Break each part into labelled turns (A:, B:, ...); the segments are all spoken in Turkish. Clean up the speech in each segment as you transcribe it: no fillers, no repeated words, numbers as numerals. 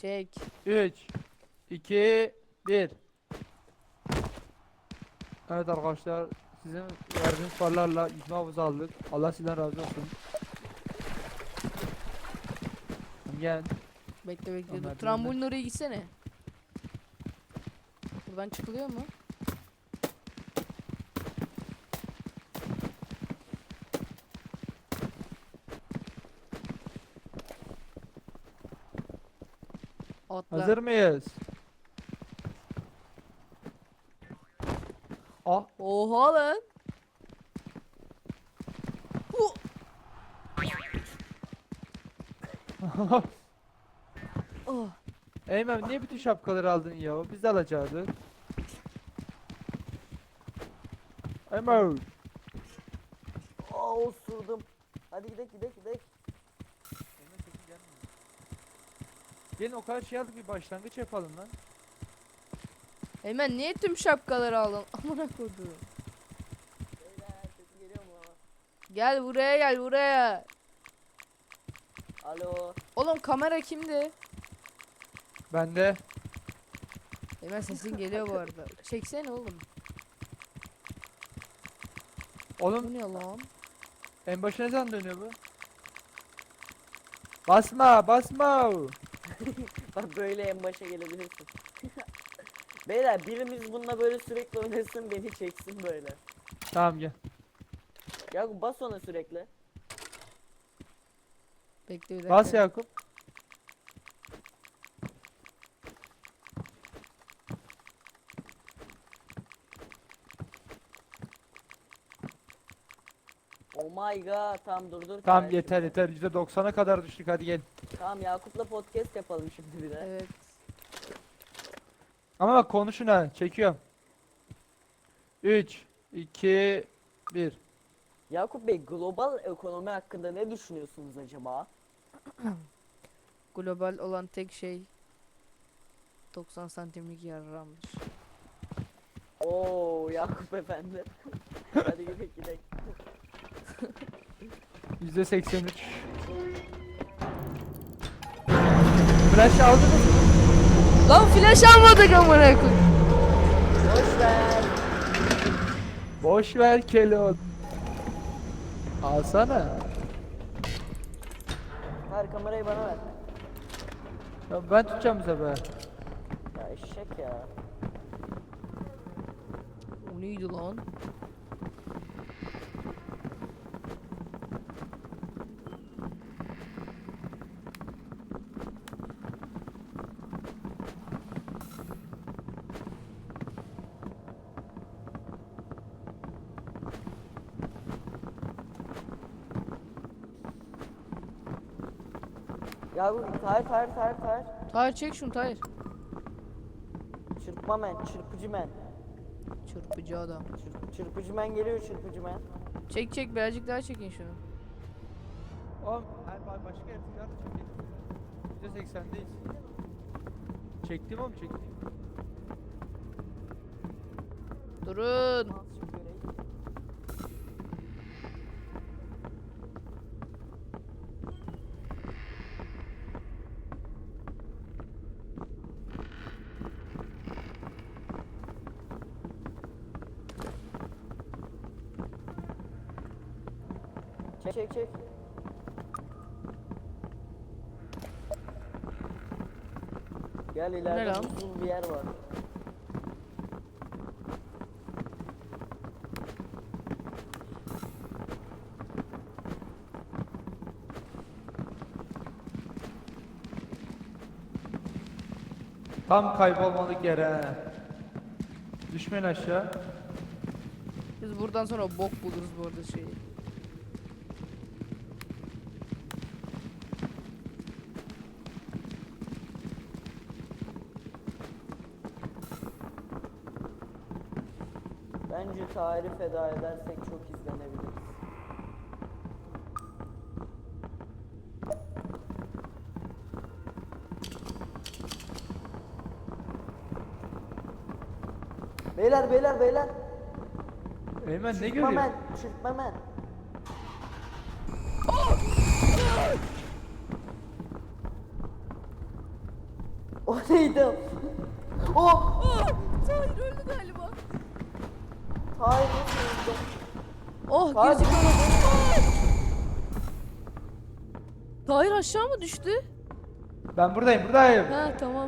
A: Çek.
B: 3 2 1. Evet arkadaşlar, sizin verdiğiniz paralarla yüzme havuzu aldık. Allah sizden razı olsun. Gel.
A: Bekle bekle dur.
B: Onlar
A: Trambolin oraya gitsene. Buradan çıkılıyor mu? Atla.
B: Hazır mıyız? Ah.
A: Oha lan. Hu. Oh.
B: Eymen, niye bütün şapkaları aldın ya? Biz de alacaktık. Eymen.
C: Aa osurdum. Hadi gidelim gidelim gidelim.
B: Gelin, o kadar şey aldık, bir başlangıç yapalım lan.
A: Hemen niye tüm şapkaları aldın? Amına koydum.
C: Beyler sesi geliyor mu?
A: Gel buraya, gel buraya.
C: Alo.
A: Oğlum kamera kimdi?
B: Bende.
A: Hemen sesin geliyor bu arada. Çeksene oğlum. Bu
B: Oğlum,
A: ne lan?
B: en başına ne zaman dönüyor bu? Basma basma.
C: Bak böyle en başa gelebilirsin. Beyler birimiz bununla böyle sürekli oynasın beni çeksin böyle.
B: Tamam, gel.
C: Ya bas ona sürekli.
A: Bekle bir dakika.
B: Bas Yakup.
C: Oh my god tamam dur.
B: Tamam,
C: kardeşim.
B: yeter yeter, %90'a kadar düştük, hadi gel.
C: Tamam Yakup'la podcast yapalım şimdi bir de.
A: Evet.
B: Ama bak, konuşun ha, çekiyorum. 3 2 1.
C: Yakup Bey global ekonomi hakkında ne düşünüyorsunuz acaba?
A: Global olan tek şey 90 santimlik yarramdır.
C: Oo Yakup efendi. Hadi gidelim.
B: %83. Flash aldınız mı?
A: Lan flash almadık amına koy.
C: Boş ver.
B: Boş ver Kelon. Alsana.
C: Ver kamerayı bana ver.
B: Ya ben tutacağım bu sefer.
C: Ya eşek ya.
A: O neydi lan?
C: Ya bu Tahir.
A: Tahir çek şunu Tahir.
C: Çırpma men, çırpıcı men.
A: Çırpıcı adam.
C: Çırpıcı men geliyor çırpıcı men.
A: Çek çek birazcık daha çekin şunu.
B: Oğlum, her başka yaratıklar da çekelim. %80'deyiz. Çektim oğlum, çektim.
A: Durun.
C: Çek. Gel ileride
A: lan?
C: uzun bir yer var.
B: Tam kaybolmalık yere. Düşmeyin aşağı.
A: Biz buradan sonra bok buluruz bu arada şeyi.
C: Bence Tahir'i feda edersek çok izlenebiliriz. Beyler.
B: Eymen, ne
C: Çırpma
B: görüyor?
C: men, çırpma men. O neydi? Oh!
A: Tahir öldü galiba.
C: Hayır nasıl öldü?
A: Oh
C: Tahir
A: gözü
C: burada değil.
A: Tahir aşağı mı düştü?
B: Ben buradayım.
A: Ha tamam.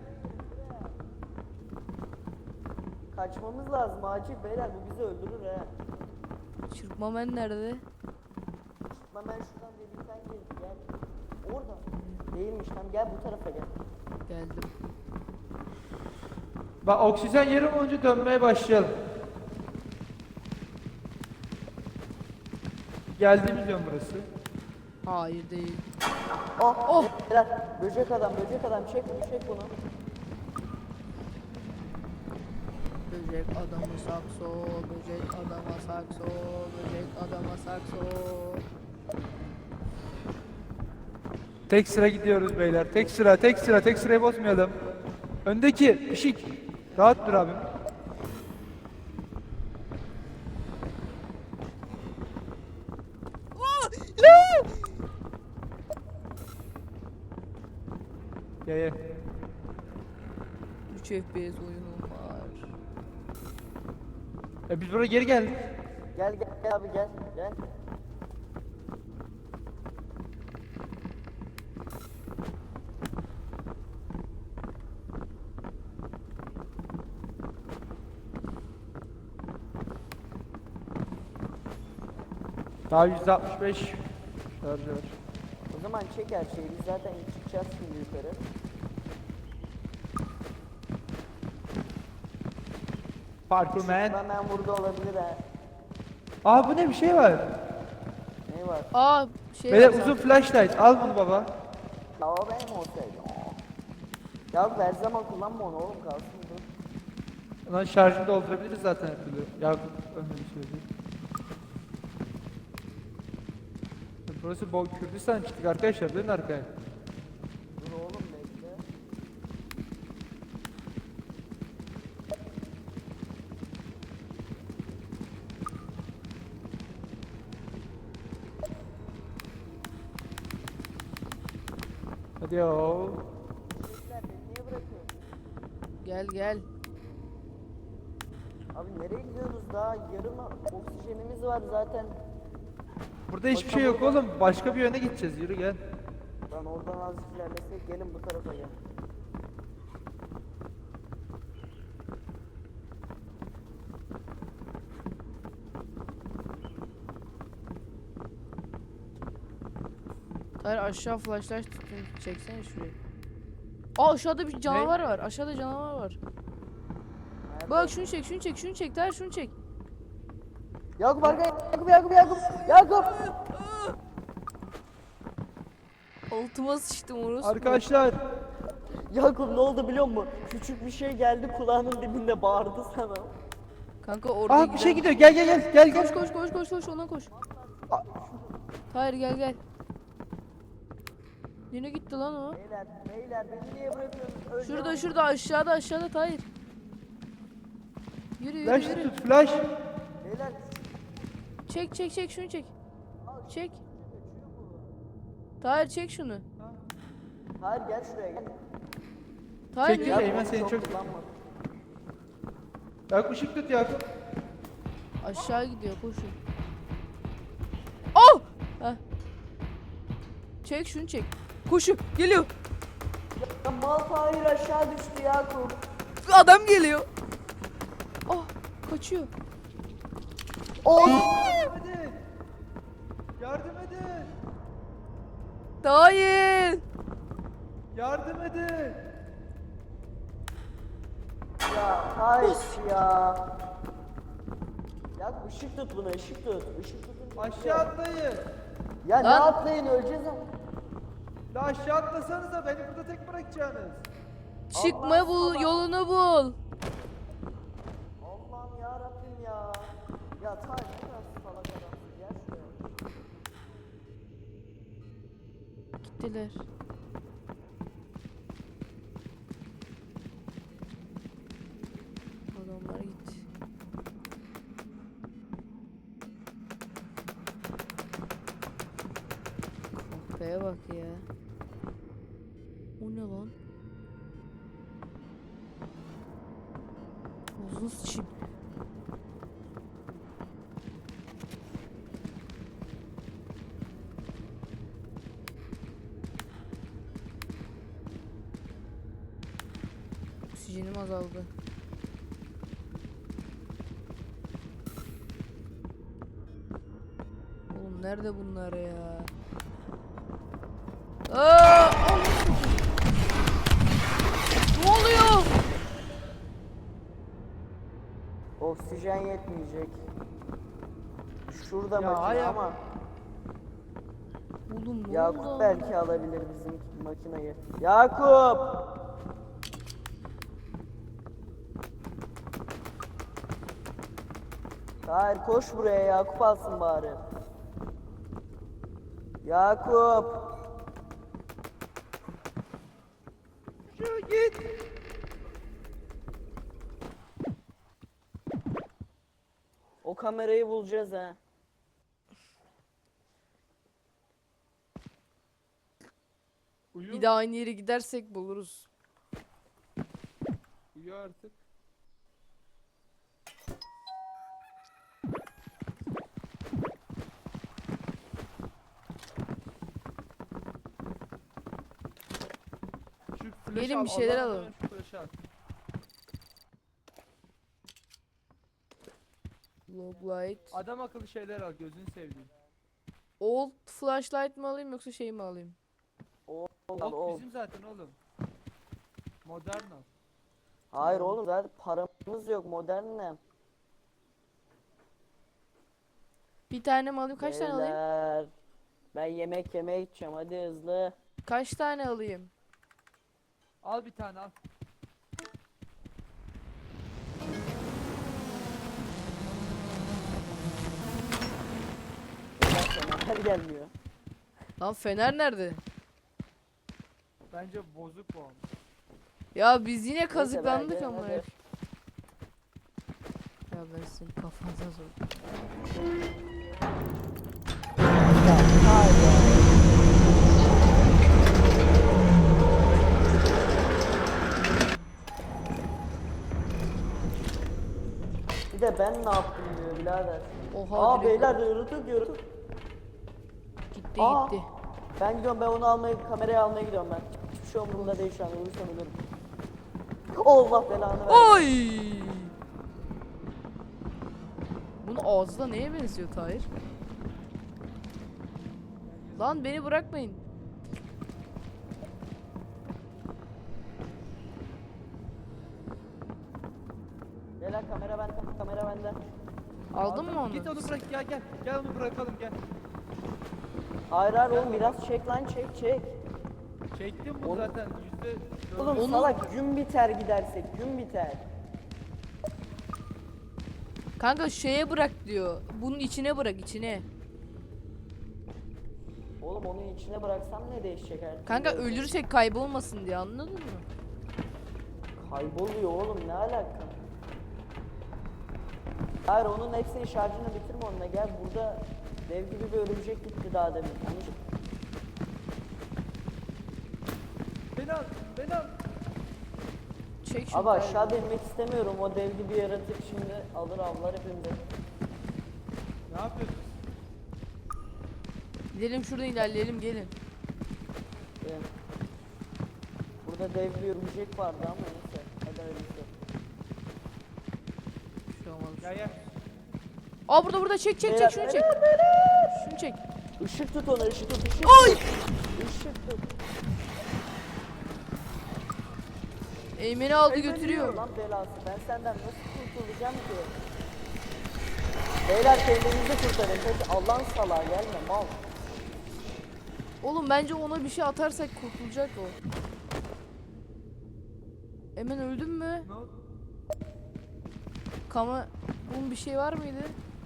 C: Kaçmamız lazım acil beyler, bu bizi öldürür he.
A: Çırpma men nerede?
C: Hemen şuradan delikten gel. Orada. Değilmiş, tam gel bu tarafa gel.
A: Geldim.
B: Bak oksijen yarım olunca dönmeye başlayalım. Geldiğimiz yön burası.
A: Hayır değil.
C: Oh!
A: Oh!
C: Beyler, böcek adam çek bunu.
A: Böcek adamı sakso, böcek adama sakso, böcek adama sakso.
B: Tek sıra gidiyoruz beyler. Tek sırayı bozmayalım. Öndeki ışık. Rahat dur abim. Gel.
A: 3 FPS oyunum var.
B: Biz buraya geri geldik.
C: Gel abi gel.
B: Daha 165 şarjı var.
C: O zaman çek her şeyi, biz zaten çıkacağız şimdi yukarı.
B: Parkur man.
C: Hemen burada olabilir ha.
B: Aa bu ne bir şey var.
C: Ne var?
A: Aa şey
B: Beyler
A: var.
B: uzun flashlight. Al bunu baba.
C: Ya o benim olsaydı. Ya her zaman kullanma onu oğlum, kalsın dur.
B: Lan şarjını doldurabiliriz zaten her türlü. Yakup öyle bir şey değil. Burası Bol Kürdistan çıktık arkadaşlar, dönün arkaya.
C: Dur oğlum bekle.
B: Hadi yo.
C: Bekler, beni niye bırakıyorsun?
A: Gel.
C: Abi nereye gidiyoruz daha? Yarım oksijenimiz var zaten.
B: Burada hiçbir şey yok oğlum. Başka bir yöne gideceğiz. Yürü gel.
C: Lan oradan azıcık ilerlesek, gelin bu tarafa gel.
A: Tahir aşağı flashlight tutun. Çeksene şurayı. Aa aşağıda bir canavar var. Aşağıda canavar var.
C: Nerede?
A: Bak şunu çek. Tahir şunu çek.
C: Yakup arkaya, Yakup!
A: Altıma sıçtım orası.
B: Arkadaşlar.
C: Yakup ne oldu biliyor musun? Küçük bir şey geldi kulağının dibinde bağırdı sana.
A: Kanka orada
B: Aa bir şey gidiyor. Gel.
A: Koş ona koş. Tahir gel. Yine gitti lan o.
C: Beyler beni niye bırakıyorsunuz? Öleceğim.
A: Şurada aşağıda Tahir. Yürü.
B: Flash tut flash.
C: Beyler
A: Çek şunu çek. Çek. Tahir çek şunu.
C: hayır gel şuraya gel.
A: Tahir
B: Çek,
A: niye?
B: çek. Eymen seni çok-
C: kullanma.
B: Yakup ışık tut Yakup.
A: Aşağı gidiyor koşun. Oh! Heh. Çek şunu çek. Koşu geliyor.
C: Ya mal Tahir aşağı düştü Yakup.
A: Adam geliyor. Oh kaçıyor.
B: Hadi. Yardım edin.
A: Tahir.
B: Yardım edin.
C: Ya Tahir ya. Yakup ışık tut buna, ışık tut. Işık tutun.
B: Aşağı atlayın.
C: Ya ne
A: Lan.
C: atlayın, öleceğiz ama.
B: La aşağı atlasanıza beni burada tek bırakacaksınız.
A: Çıkma bul yolunu bul.
C: Allah'ım ya Rabbim ya. Ya Tahir ne kadar salak adamsın, gel şuraya.
A: Gittiler. Adamlar gitti. Kahpeye bak ya. O ne lan? Ağzını sıçayım. Oksijenim azaldı. Oğlum nerede bunlar ya? Aa! Ne oluyor?
C: Oksijen yetmeyecek. Şurada
B: Ya
C: makine
B: hayır.
C: ama
A: Oğlum ne
C: Yakup
A: oldu?
C: belki alabilir bizim makineyi. Yakup! Hayır koş buraya, Yakup alsın bari. Yakup!
B: Şu git.
C: O kamerayı bulacağız ha.
B: Uyu.
A: Bir daha aynı yere gidersek buluruz.
B: Uyu artık. Şu flaşı
A: Gelin
B: al,
A: bir şeyler
B: Allah'ın
A: alalım.
B: adına şu flaşı al.
A: Log light.
B: Adam akıllı şeyler al, gözünü sevdiğim.
A: Old flashlight mı alayım yoksa şey mi alayım?
B: Ok bizim zaten oğlum. Modern al.
C: Hayır oğlum zaten paramız yok, modern ne?
A: Bir tane mi alayım? Kaç tane alayım?
C: Beyler, ben yemek yemeye gideceğim, hadi hızlı.
A: Kaç tane alayım?
B: Al bir tane al.
C: Fener gelmiyor.
A: Lan fener nerede?
B: Bence bozuk bu ama.
A: Ya biz yine
C: Neyse,
A: kazıklandık
C: ben
A: ama.
C: hadi.
A: Ya ben senin kafanıza sor.
C: Bir de ben ne yaptım diyor birader.
A: Oha
C: Aa
A: direkt
C: beyler yürüdük.
A: gitti
C: Aa.
A: gitti.
C: Ben gidiyorum, ben onu almaya, kamerayı almaya gidiyorum ben. Hiçbir şey umurumda değil şu an, ölürsem ölürüm. Allah belanı versin.
A: Oy! Bunun ağzı da neye benziyor Tahir? Lan beni bırakmayın.
C: Beyler kamera bende, kamera bende.
A: Aldın mı onu?
B: Git onu bırak ya, gel. Gel onu bırakalım gel.
C: Hayır hayır oğlum, biraz çek lan, çek.
B: Çektim bu
C: Oğlum-
B: zaten
C: Oğlum
A: Onu-
C: salak, gün biter gidersek, gün biter.
A: Kanka şeye bırak diyor. Bunun içine bırak içine.
C: Oğlum onun içine bıraksam ne değişecek her türlü?
A: Kanka ölürsek kaybolmasın diye, anladın mı?
C: Kayboluyor oğlum, ne alaka? Hayır onun hepsinin şarjını bitirme onunla, gel burada dev gibi bir örümcek gitti daha demin.
B: Beni al, beni al.
A: Çek şunu.
C: Abi aşağıda inmek istemiyorum, o dev gibi yaratık şimdi alır avlar hepimizi.
B: Ne yapıyorsun?
A: Gidelim şuradan ilerleyelim, gelin.
C: Burada dev bir örümcek vardı ama neyse. Hadi öyleyse.
A: Bir şey olmaz.
B: Gel gel.
A: Aa burada çek
C: Beyler,
A: şunu çek. Şunu çek.
C: Işık tut ona, ışık tut, ışık
A: Ay!
C: tut. Işık tut.
A: Eymen'i aldı götürüyor.
C: Lan belası, ben senden nasıl kurtulacağım ki? Beyler kendinizi kurtarın. Peki Allah'ın salağı gelme mal.
A: Oğlum bence ona bir şey atarsak kurtulacak o. Eymen öldün mü?
B: Ne oldu?
A: Bunun bir şey var mıydı?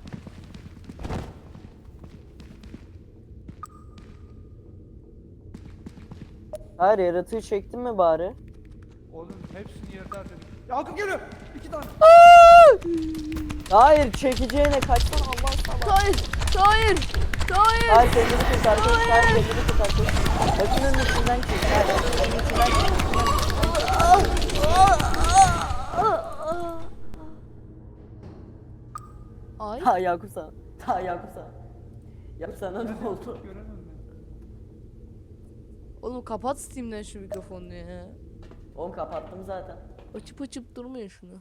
C: Hayır yaratığı çektin mi bari?
B: Oğlum hepsini yerde harcadık. Yakup geliyor. 2 tane.
C: Hayır çekeceğine kaçsana Allah'ın salağı.
A: Hayır! Hayır! Hayır!
C: Hayır kendini kurtar. Hayır kendini kurtar. Makinenin içinden çek. Hayır makinenin içinden çek. Ta Yakup sana. Ta Yakup sana. Yakup sana ne oldu?
B: Göremiyorum ben.
A: Oğlum kapat Steam'den şu mikrofonunu ya.
C: Oğlum kapattım zaten.
A: Açıp açıp durmuyor şunu.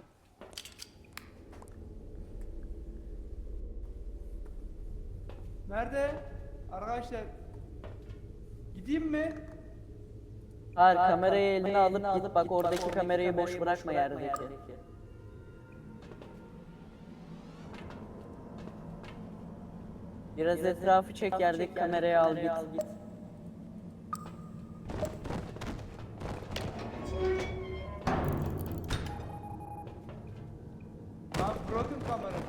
B: Nerede? Arkadaşlar. Gideyim mi?
C: Hayır, kamerayı eline alıp git bak oradaki kamerayı boş bırakma yerdeki. Biraz etrafı çek, yerdeki kamerayı al git.
B: Lan bırakın kamerayı.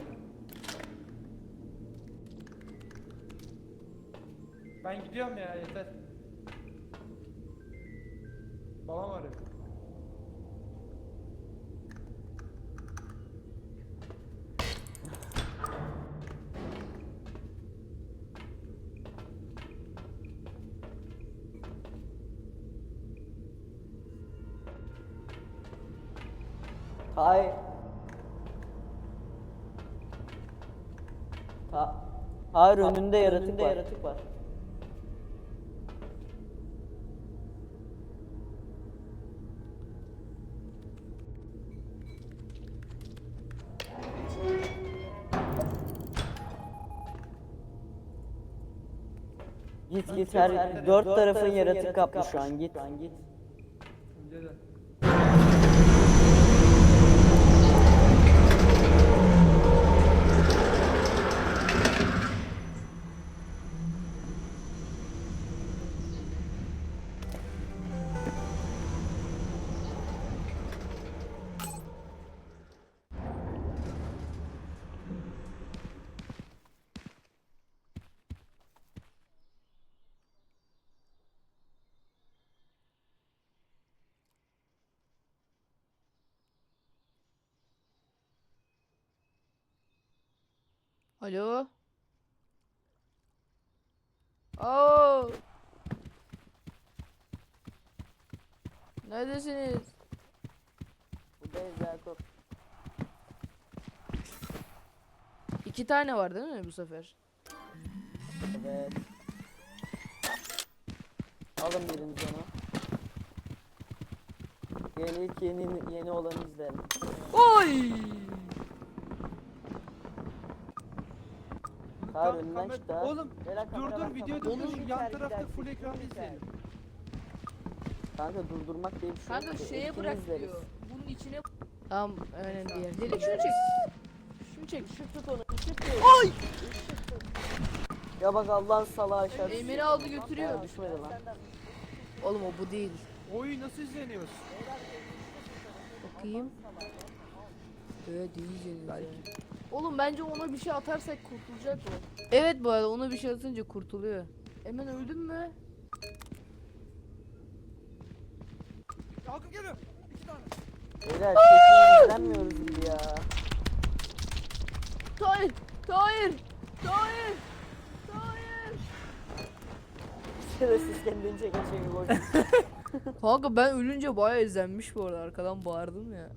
B: Ben gidiyorum ya, yeter. Babam arıyor.
C: Hayır. Hayır, önünde yaratık var. Git her dört tarafın yaratık kaplı şu an git.
B: Önce de.
A: Alo. Oo. Neredesiniz?
C: Buradayız Yakup.
A: 2 tane var değil mi bu sefer?
C: Evet. Alın biriniz onu. Gel ilk yeni olanı izleyelim.
A: Oy!
C: Hayır,
B: Tam
C: önünden
B: kamer-
C: çıktı ha.
B: Oğlum
C: Beyler,
B: dur
C: kamera var,
B: videoyu
C: kamera.
B: durdur,
C: Onu
B: yan
C: gider,
B: tarafta
C: gider,
B: full
C: gider,
B: ekran
C: gider.
B: izleyelim.
C: Kanka durdurmak diye bir şey
A: Kanka
C: yok ki.
A: şeye
C: İlkini
A: bırak
C: izleriz.
A: diyor. Bunun içine... Tamam önemli değil. Direkt şunu çek. Şunu çek.
C: Işık tut onu, ışık tut.
A: Oy!
C: Ya bak Allah'ın salağı aşağı.
A: Emir'i aldı götürüyor.
C: Ya düşmedi lan.
A: Oğlum o bu değil.
B: Oyu nasıl izleniyoruz?
A: Bakayım. Evet diyeceğiz. Oğlum bence ona bir şey atarsak kurtulacak o. Evet bu arada ona bir şey atınca kurtuluyor. Hemen öldün mü?
B: Yakup geliyor. 2 tane.
C: Beyler çekimi izlenmiyoruz gibi ya.
A: Hayır! Hayır! Hayır! Hayır!
C: Şerefsiz kendini çeken çevir boş.
A: Kanka ben ölünce bayağı izlenmiş bu arada, arkadan bağırdım ya.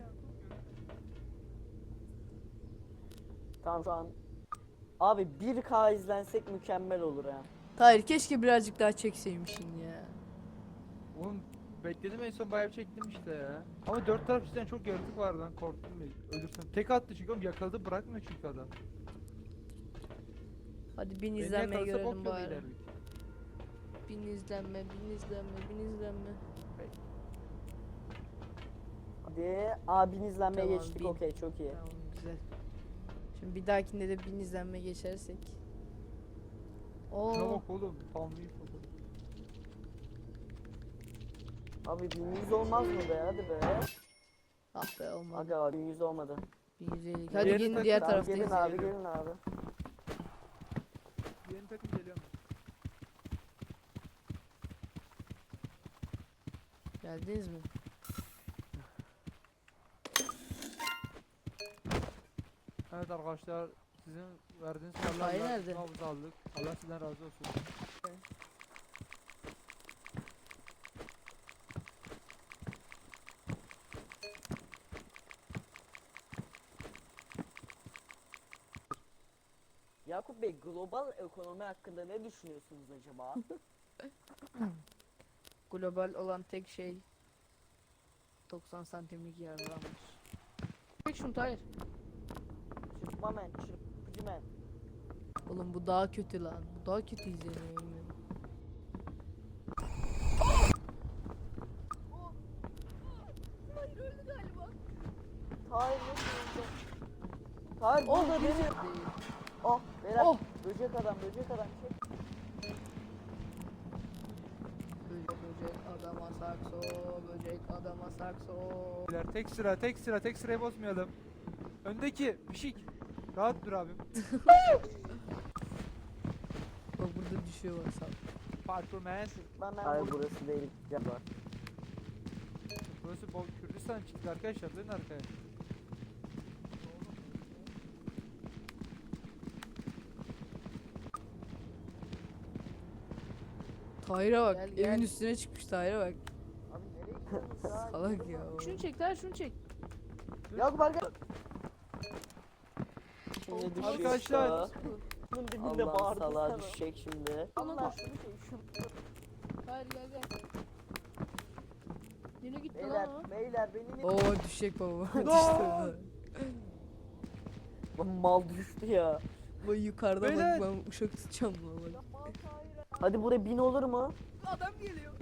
C: Tamam şu an. Abi 1K izlensek mükemmel olur ha.
A: Hayır keşke birazcık daha çekseymişsin ya.
B: Oğlum bekledim, en son bayağı bir çektim işte ya. Ama 4 taraf cidden çok yaratık vardı, lan korktum ya. Ölürsem. Tek attı çünkü, oğlum yakaladı, bırakmıyor çünkü adam.
A: Hadi 1000
B: Beni
A: izlenmeyi
B: yakalasa
A: görelim
B: bok yolu
A: bari.
B: ilerdik.
A: 1000 izlenme, 1000 izlenme, 1000 izlenme.
C: Hadi abin izlenmeye
A: Tamam,
C: geçtik,
A: 1000.
C: okey çok iyi.
A: Tamam güzel. Şimdi bir dahakinde de 1000 izlenme geçersek.
B: Şuna
A: Oo.
B: bak oğlum, tam büyük fotoğraf.
C: Abi 1100 olmaz mı be, hadi be.
A: Ah be olmadı.
C: Aga abi 1100 olmadı.
A: 1150. Hadi
B: Diğer
A: gelin
B: takım-
A: diğer
C: Tamam,
A: tarafta
C: gelin
A: izleyelim.
C: abi, gelin abi.
B: Yeni takım geliyor mu?
A: Geldiniz mi?
B: Evet arkadaşlar, sizin verdiğiniz
A: Hayır,
B: kararlarla
A: nerede?
B: nabız aldık. Allah sizden razı olsun.
C: Yakup Bey, global ekonomi hakkında ne düşünüyorsunuz acaba?
A: Global olan tek şey 90 santimlik yarlanmış. Çek şunu Tahir.
C: Çırpma men, çırpıcı men.
A: Oğlum bu daha kötü lan. Bu daha kötü izleniyor. Hayır öldü galiba.
C: Tahir ne diyorsun? Tahir
A: Oh
C: burada
A: değil.
C: değil. Oh beyler.
A: Oh.
C: Böcek adam çek.
A: Böcek adama sakso, böcek adama sakso.
B: Beyler, tek sırayı bozmayalım. Öndeki pişik. Rahat dur abim.
A: Bak burada düşüyor bak sağ.
B: Performans.
C: Hayır burası değil. Gel bak.
B: Burası Kürdistan çıktı arkadaşlar. Dönün arkaya.
A: Tahir'e bak.
C: Gel,
A: Evin
C: gel.
A: üstüne çıkmış Tahir'e bak.
C: Abi nereye gidiyorsunuz ya?
A: Salak ya. Şunu çek Tahir şunu çek.
C: Yakup arkadaş. Şimdi düşecek
B: Arkadaşlar.
C: daha. Bunun dibinde
A: Allah
C: bağırdı
A: salağa
C: sana. Düşecek şimdi.
A: Ona
C: Allah
A: dur.
C: şunu çek şunu.
A: Tahir gel gel. Yine gitti
C: Beyler
A: lan
C: beyler beni
A: o. Oo düşecek baba.
B: Lan!
A: Düştü.
C: Lan mal düştü ya.
A: Bu yukarıda
B: Beyler.
A: bak ben uşak tutacağım lan bak.
C: Hadi buraya 1000 olur mu?
A: Adam geliyor.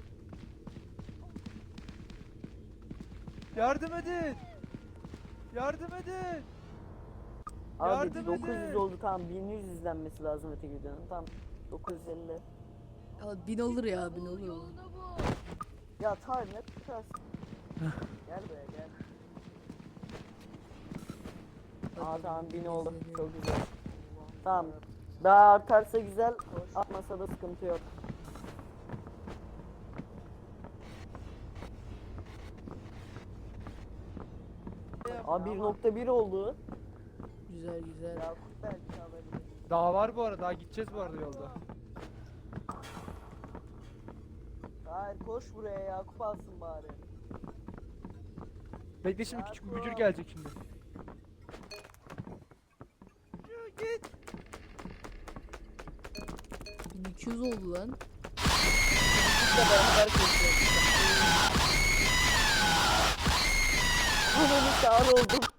B: Yardım edin. Yardım edin.
C: Abi
B: Yardım
C: 900
B: edin.
C: oldu, tamam 1100 izlenmesi lazım öteki videonun. Tamam 950.
A: Ya 1000 olur ya 1000 olur.
C: Ya Tahir ne tutarsın? Gel buraya gel. Aa tamam 1000 oldu, çok güzel. Tamam. Daha artarsa güzel, artmasa da sıkıntı yok. Abi 1.1 oldu.
A: Güzel güzel.
C: Yakup belki alabilir.
B: Daha var bu arada. Daha gideceğiz bu arada yolda.
C: Hayır koş buraya, Yakup alsın bari.
B: Bekle, şimdi küçük bir bücür gelecek şimdi. Git.
A: 1200 oldu lan.
C: Biz de beraber koşuyoruz. Ananı sağır oldum.